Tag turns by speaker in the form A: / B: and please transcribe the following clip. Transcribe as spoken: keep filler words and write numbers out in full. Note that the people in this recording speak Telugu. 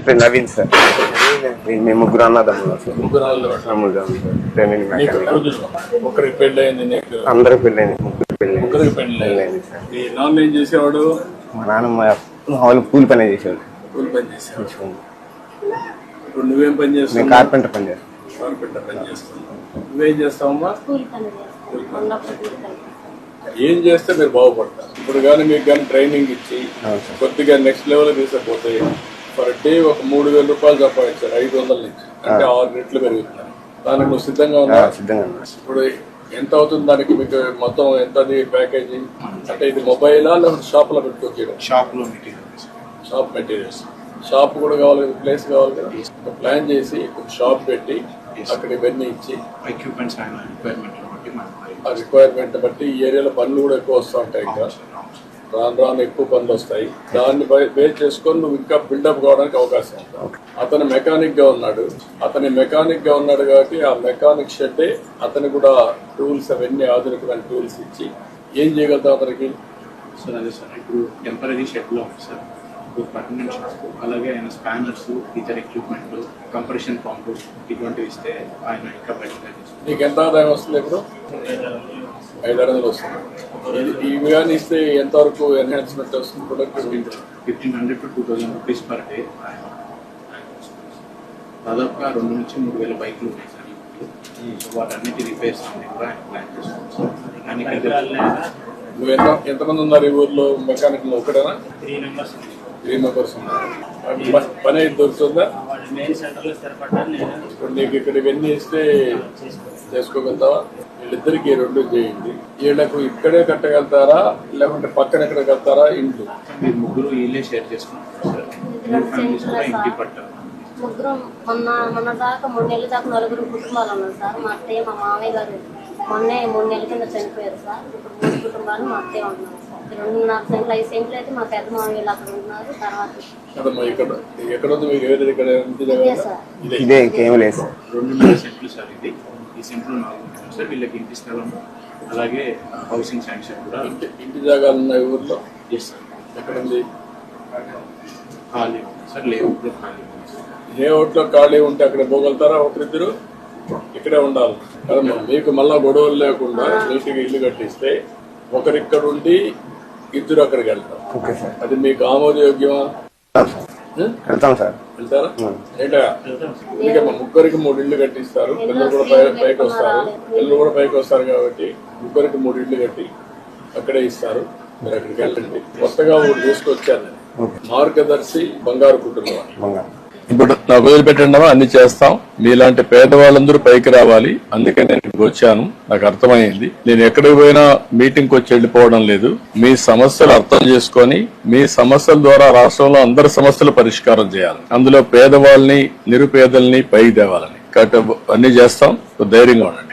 A: పేరు నవీన్ సార్. మేము ముగ్గురు అన్నదమ్ములు సార్.
B: ఒకరికి పెళ్లి అయింది,
A: అందరికి పెళ్ళైంది, ముగ్గురు పెళ్ళి
B: ముగ్గురికి పెళ్లి అయింది సార్. మీ నాన్న ఏం చేసేవాడు?
A: మా నాన్నమ్మ వాళ్ళు కూలి పని చేసేవాడు.
B: కూలి పని చేసేవాడు. ఇప్పుడు నువ్వేం పని చేస్తావు?
A: కార్పెంటర్ పని చేస్తాను.
B: కార్పెంటర్ పని చేస్తావు. నువ్వేం చేస్తావమ్మా? ఏం చేస్తే మీరు బాగుపడతారు? ఇప్పుడు కానీ మీకు కానీ ట్రైనింగ్ ఇచ్చి కొద్దిగా నెక్స్ట్ లెవెల్ తీసుకపోతే పర్ డే ఒక మూడు వేల రూపాయలు సంపాదించారు, ఐదు వందల నుంచి అంటే ఆరు రెట్లు పెరుగుతున్నారు. దానికి నువ్వు సిద్ధంగా ఉన్నా?
A: సిద్ధంగా.
B: ఇప్పుడు ఎంత అవుతుంది దానికి? మీకు మొత్తం ఎంత ప్యాకేజీ? అంటే ఇది మొబైలా లేకపోతే షాప్ లో పెట్టుకోవచ్చు?
C: షాప్ లో మెటీరియల్స్,
B: షాప్ మెటీరియల్స్. షాప్ కూడా కావాలి కదా, ప్లేస్ కావాలి కదా. ప్లాన్ చేసి ఒక షాప్ పెట్టి అక్కడ ఇవన్నీ ఇచ్చి
C: ఎక్విప్మెంట్స్ రిక్వైర్మెంట్ బట్టి
B: ఆ రిక్వైర్మెంట్ బట్టి ఈ ఏరియాలో పనులు కూడా ఎక్కువ వస్తూ ఉంటాయి. ఇంకా రాను రాను ఎక్కువ పనులు వస్తాయి. దాన్ని బేస్ చేసుకొని నువ్వు ఇంకా బిల్డప్ కావడానికి అవకాశం ఉంటుంది. అతను మెకానిక్ గా ఉన్నాడు, అతని మెకానిక్ గా ఉన్నాడు కాబట్టి ఆ మెకానిక్ షెడ్ అతని కూడా టూల్స్ అవన్నీ ఆధునికమైన టూల్స్ ఇచ్చి ఏం చేయగలుగుతాం అతనికి?
C: సార్ అదే సార్, ఇప్పుడు టెంపరీ షెడ్ లో ఉంది సార్, ఇప్పుడు పర్మనెంట్ షెడ్స్ అలాగే ఆయన స్పానర్స్, ఇతర ఎక్విప్మెంట్, కంప్రెషన్ పంపు ఇటువంటివి ఇస్తే ఆయన ఇంకా బెటర్గా చేస్తారు.
B: నీకు ఎంత ఆదాయం వస్తుంది? ఇప్పుడు ఐదారు వందలు వస్తుంది. ఇవి కానీ ఇస్తే ఎంతవరకు ఎన్హాన్స్మెంట్ వస్తుంది? Productivity
C: fifteen hundred to two thousand rupees per day. దాదాపుగా రెండు నుంచి మూడు వేల బైక్లు ఉన్నాయి సార్. సో వాటన్నిటి రిపేర్స్ అన్ని కూడా ఆయన ప్లాన్ చేస్తున్నాం.
B: నువ్వు ఎంత ఎంతమంది ఉన్నారు ఈ ఊర్లో మెకానిక్? ఒకటేనా?
C: త్రీ మెంబర్స్
B: త్రీ మెంబర్స్ ఉన్నారు. పని అయితే దొరుకుతుందా? ఇప్పుడు నీకు ఇక్కడ ఇవన్నీ ఇస్తే చేసుకోగలుగుతావా? వీళ్ళిద్దరికి రెండు చేయండి. వీళ్ళకు ఇక్కడే కట్టగలుగుతారా లేకుంటే పక్కన ఎక్కడ కడతారా? ఇంట్లో
C: మీరు ముగ్గురు ఇల్లే షేర్ చేసుకుంటారు సార్. ఇంటి పట్టారు
D: ముగ్గురు. మొన్న మొన్న దాకా మూడు నెలల దాకా నలుగురు కుటుంబాలు ఉన్నారు సార్. మా అత్తయ్య మా మామయ్య గారు మొన్నే మూడు నెలల కింద చనిపోయారు సార్. ఇప్పుడు మూడు కుటుంబాలు మా అత్తయ్య ఉంటున్నారు సార్. రెండున్నర సెంట్లు ఐదు సెంట్లు అయితే మా పెద్ద మామయ్యలు అక్కడ ఉన్నారు. తర్వాత
A: ఇదే ఇంకేం లేదు సార్.
C: రెండున్నర సెంట్లు సార్. ఇది ఈ సెంట్లు నాలుగు సార్. వీళ్ళకి ఇంటి స్థలం అలాగే హౌసింగ్ శాంక్షన్ కూడా.
B: ఇంటి జాగాలు ఉన్నాయి ఊర్లో?
C: Yes sir.
B: ఎక్కడ ఉంది?
C: ఖాళీ సార్, లేఅవుట్లో ఖాళీ.
B: లేఅవుట్లో ఖాళీ ఉంటే అక్కడ పోగలుగుతారా ఒకరిద్దరు? ఇక్కడే ఉండాలి కదమ్మా. మీకు మళ్ళా గొడవలు లేకుండా నీటిగా ఇల్లు కట్టిస్తే ఒకరిక్కడ ఉండి ఇద్దరు అక్కడికి వెళ్తారు. అది మీకు ఆమోదయోగ్యమా?
A: వెళ్తాం సార్.
B: వెళ్తారా? ఏంటా ఎందుకమ్మా ముగ్గురికి మూడు ఇళ్ళు కట్టిస్తారు. పిల్లలు కూడా పైకి వస్తారు, పిల్లలు కూడా పైకి వస్తారు కాబట్టి ముగ్గురికి మూడు ఇళ్ళు కట్టి అక్కడే ఇస్తారు. మీరు అక్కడికి వెళ్ళండి. కొత్తగా ఊరు తీసుకొచ్చాను. మార్గదర్శి బంగారు కుటుంబం. ఇప్పుడు నాకు వదిలిపెట్టండి, అన్ని చేస్తాం. మీలాంటి పేదవాళ్ళందరూ పైకి రావాలి. అందుకే నేను ఇక్కడికి వచ్చాను. నాకు అర్థమైంది. నేను ఎక్కడికి పోయినా మీటింగ్కి వచ్చి వెళ్ళిపోవడం లేదు. మీ సమస్యలు అర్థం చేసుకొని మీ సమస్యల ద్వారా రాష్ట్రంలో అందరి సమస్యలు పరిష్కారం చేయాలి. అందులో పేదవాళ్ళని, నిరుపేదల్ని పైకి తేవాలని. కాబట్టి అన్ని చేస్తాం. ధైర్యంగా ఉండండి.